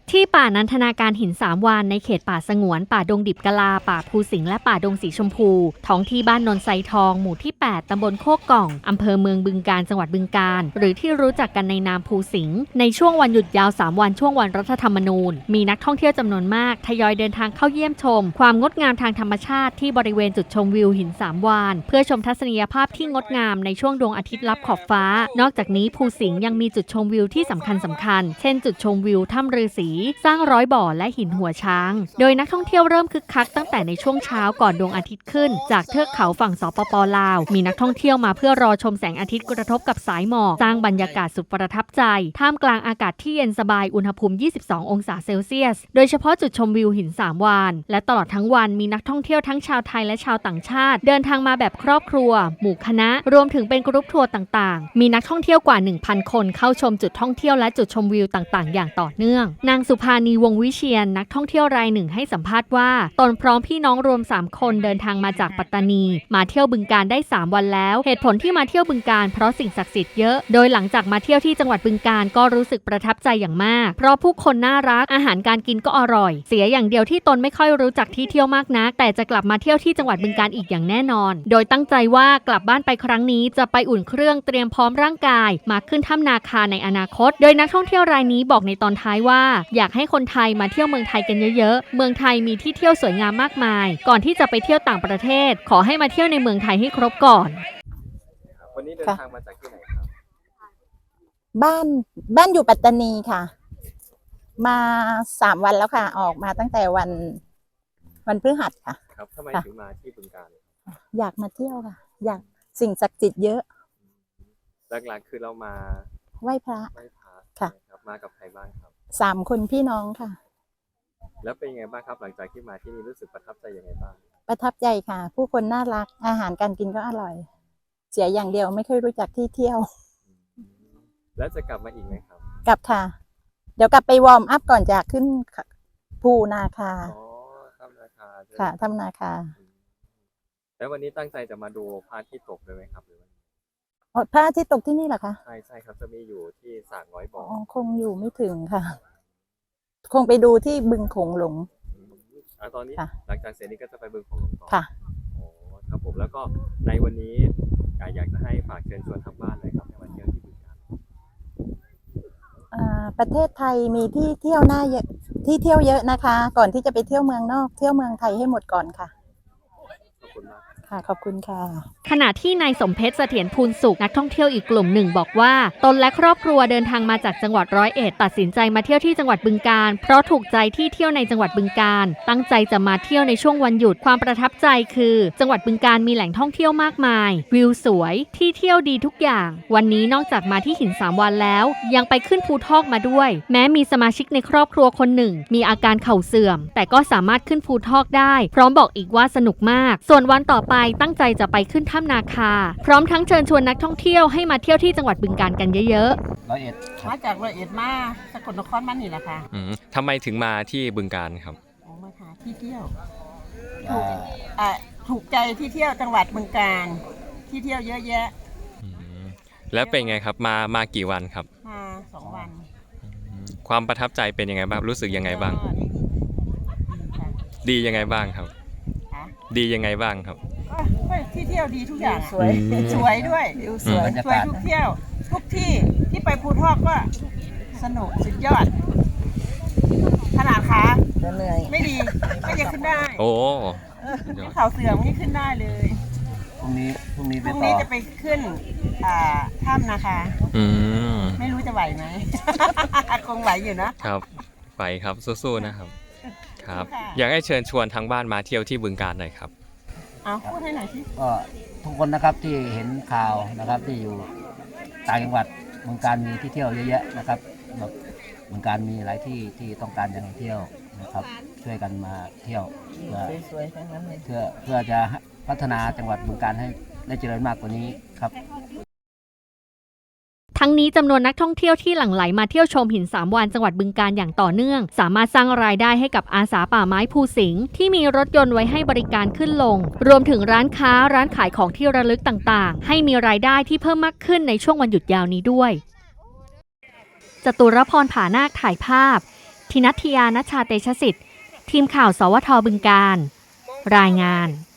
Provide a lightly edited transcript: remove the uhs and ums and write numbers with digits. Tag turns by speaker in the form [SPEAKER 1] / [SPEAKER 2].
[SPEAKER 1] ที่ป่านันทนาการหิน3 วานในเขตป่าสงวนป่าดงดิบกะลาป่าภูสิงห์และป่าดงสีชมพูท้องที่บ้านนนไซทองหมู่ที่8ตำบลโคกก่องอำเภอเมืองบึงกาฬจังหวัดบึงกาฬหรือที่รู้จักกันในนามภูสิงห์ในช่วงวันหยุดยาว3 วันช่วงวันรัฐธรรมนูญมีนักท่องเที่ยวจำนวนมากทยอยเดินทางเข้าเยี่ยมชมความงดงามทางธรรมชาติที่บริเวณจุดชมวิวหิน3 วานเพื่อชมทัศนียภาพที่งดงามในช่วงดวงอาทิตย์ลับขอบฟ้านอกจากนี้ภูสิงห์ยังมีจุดชมวิวที่สำคัญเช่นจุดชมวิวถ้ำฤาษีสร้างร้อยบ่อและหินหัวช้างโดยนักท่องเที่ยวเริ่มคึกคักตั้งแต่ในช่วงเช้าก่อนดวงอาทิตย์ขึ้นจากเทือกเขาฝั่งสปป.ลาวมีนักท่องเที่ยวมาเพื่อรอชมแสงอาทิตย์กระทบกับสายหมอกสร้างบรรยากาศสุดประทับใจท่ามกลางอากาศที่เย็นสบายอุณหภูมิ22 องศาเซลเซียสโดยเฉพาะจุดชมวิวหิน3 วานและตลอดทั้งวันมีนักท่องเที่ยวทั้งชาวไทยและชาวต่างชาติเดินทางมาแบบครอบครัวหมู่คณะรวมถึงเป็นกรุ๊ปทัวร์ต่างๆมีนักท่องเที่ยวกว่า 1,000 คนเข้าชมจุดท่องเที่ยวและจุดชมวิวต่างๆอย่างต่อเนื่องนางสุภานีวงศ์วิเชียรนักท่องเที่ยวรายหนึ่งให้สัมภาษณ์ว่าตนพร้อมพี่น้องรวม3 คนเดินทางมาจากปัตตานีมาเที่ยวบึงกาฬได้3 วันแล้วเหตุผลที่มาเที่ยวบึงกาฬเพราะสิ่งศักดิ์สิทธิ์เยอะโดยหลังจากมาเที่ยวที่จังหวัดบึงกาฬก็รู้สึกประทับใจอย่างมากเพราะผู้คนน่ารักอาหารการกินก็อร่อยเสียอย่างเดียวที่ตนไม่ค่อยรู้จักที่เที่ยวมากนักแต่จะกลับมาเที่ยวที่จังหวัดบึงกาฬอีกอย่างแน่นอนโดยตั้งใจว่ากลับบ้านไปครั้งนี้จะไปอุ่นเครื่องเตรียมพร้อมร่างกายมาขึ้นถ้ำนาคาในอนาคตโดยนักท่องเที่ยวรายนี้บอกในตอนท้ายว่าอยากให้คนไทยมาเที่ยวเมืองไทยกันเยอะๆเมืองไทยมีที่เที่ยวสวยงามมากมายก่อนที่จะไปเที่ยวต่างประเทศขอให้มาเที่ยวในเมืองไทยให้ครบก่อน
[SPEAKER 2] วันนี้เดินทางมาจากที่ไหนครับ
[SPEAKER 3] บ้านอยู่ปัตตานีค่ะมา3 วันแล้วค่ะออกมาตั้งแต่วันพฤหัสค่ะ
[SPEAKER 2] ครับทำไมถึงมาที่บึงกาฬ
[SPEAKER 3] อยากมาเที่ยวค่ะอยากสิ่งศักดิ์สิทธิ์เยอะ
[SPEAKER 2] หลักๆคือเรามา
[SPEAKER 3] ไหว้พระ
[SPEAKER 2] ค่ะครับมากับใครบ้างครับ
[SPEAKER 3] 3 คนพี่น้องค่ะ
[SPEAKER 2] แล้วเป็นยังไงบ้างครับหลังจากที่มาที่นี่รู้สึกประทับใจยังไงบ้าง
[SPEAKER 3] ประทับใจค่ะผู้คนน่ารักอาหารการกินก็อร่อยเสียอย่างเดียวไม่เคยรู้จักที่เที่ยว
[SPEAKER 2] แล้วจะกลับมาอีกไหมครับ
[SPEAKER 3] กลับค่ะเดี๋ยวกลับไปวอร์มอัพก่อนจะขึ้นภูนาคา
[SPEAKER 2] ถ้ำนาคา
[SPEAKER 3] ค่ะถ้ำนาคา
[SPEAKER 2] แล้ววันนี้ตั้งใจจะมาดูพระอาทิตย์ตกเลยไหมครับหรือ
[SPEAKER 3] พระอาทิตย์ตกที่นี่เหรอคะ
[SPEAKER 2] ใช่ครับจะมีอยู่ที่สระร้อยบ่อ
[SPEAKER 3] คงอยู่ไม่ถึงค่ะคงไปดูที่บึงโขงหลง
[SPEAKER 2] ตอนนี้หลังจากเสร็จนี้ก็จะไปบึงโขงหลงต่อ
[SPEAKER 3] ค่ะ
[SPEAKER 2] ครับผมแล้วก็ในวันนี้อยากจะให้ฝากเชิญชวนทางบ้านเลยครับให้มาเที่ยวที่บึงกาฬ
[SPEAKER 3] ประเทศไทยมีที่เที่ยวเยอะนะคะก่อนที่จะไปเที่ยวเมืองนอกเที่ยวเมืองไทยให้หมดก่อนค่ะ
[SPEAKER 2] ขอบคุณมาก
[SPEAKER 3] ขอบคุณค่ะ
[SPEAKER 1] ขณะที่นายสมเพชรเสถียรภูลสุขนักท่องเที่ยวอีกกลุ่มหนึ่งบอกว่าตนและครอบครัวเดินทางมาจากจังหวัด101ตัดสินใจมาเที่ยวที่จังหวัดบึงกาฬเพราะถูกใจที่เที่ยวในจังหวัดบึงกาฬตั้งใจจะมาเที่ยวในช่วงวันหยุดความประทับใจคือจังหวัดบึงกาฬมีแหล่งท่องเที่ยวมากมายวิวสวยที่เที่ยวดีทุกอย่างวันนี้นอกจากมาที่หิน3 วันแล้วยังไปขึ้นภูทอกมาด้วยแม้มีสมาชิกในครอบครัวคนหนึ่งมีอาการเข่าเสื่อมแต่ก็สามารถขึ้นภูทอกได้พร้อมบอกอีกว่าสนุกมากส่วนวันต่อไปตั้งใจจะไปขึ้นถ้ำนาคาพร้อมทั้งเชิญชวนนักท่องเที่ยวให้มาเที่ยวที่จังหวัดบึงกาฬกันเยอะ
[SPEAKER 4] ๆมาจาก101มาสกลนครมานี่แหละค่ะ
[SPEAKER 2] ทำไมถึงมาที่บึงกาฬครับ
[SPEAKER 4] มาหาที่เที่ยวถูกใจที่เที่ยวจังหวัดบึงกาฬที่เที่ยวเยอะแยะ
[SPEAKER 2] แล้วเป็นไงครับมากี่วันครับ
[SPEAKER 4] มา2 วัน
[SPEAKER 2] ความประทับใจเป็นยังไงบ้างรู้สึกยังไงบ้างดียังไงบ้างครับดียังไงบ้างครับ
[SPEAKER 4] ที่เที่ยวดีทุกอย่างสวยด้วยสวยทุกเที่ยวทุกที่ที่ไปภูทอกก็สนุกสุดยอดขนาดขาเหนื่อยไม่ดีไม่จะขึ้นได้
[SPEAKER 2] โอ้
[SPEAKER 4] เขาเสื่อมนี่ขึ้นได้เลยพรุ่งนี้จะไปขึ้นถ้ำนะคะไม่รู้จะไหวไหมคงไหวอยู่
[SPEAKER 2] นะครับไหวครับสู้ๆนะครับครับอยากให้เชิญชวนทางบ้านมาเที่ยวที่บึงกาฬหน่อยครับ
[SPEAKER 4] พูดให้หน่อยสิ
[SPEAKER 5] ก็ทุกคนนะครับที่เห็นข่าวนะครับที่อยู่ต่างจังหวัดบึงกาฬมีที่เที่ยวเยอะแยะนะครับบึงกาฬมีหลายที่ที่ต้องการจะเที่ยวนะครับช่วยกันมาเที่ยว
[SPEAKER 4] สวยๆทั้งนั้นเลย
[SPEAKER 5] เพื่อจะพัฒนาจังหวัดบึงกาฬให้ได้เจริญมากกว่านี้ครับ
[SPEAKER 1] ทั้งนี้จำนวนนักท่องเที่ยวที่หลั่งไหลมาเที่ยวชมหิน3 วันจังหวัดบึงกาฬอย่างต่อเนื่องสามารถสร้างรายได้ให้กับอาสาป่าไม้ภูสิงห์ที่มีรถยนต์ไว้ให้บริการขึ้นลงรวมถึงร้านค้าร้านขายของที่ระลึกต่างๆให้มีรายได้ที่เพิ่มมากขึ้นในช่วงวันหยุดยาวนี้ด้วยจตุรพร ผานาคถ่ายภาพทินัทยา ณชาเตชะสิทธิ์ทีมข่าวสวทบึงกาฬรายงาน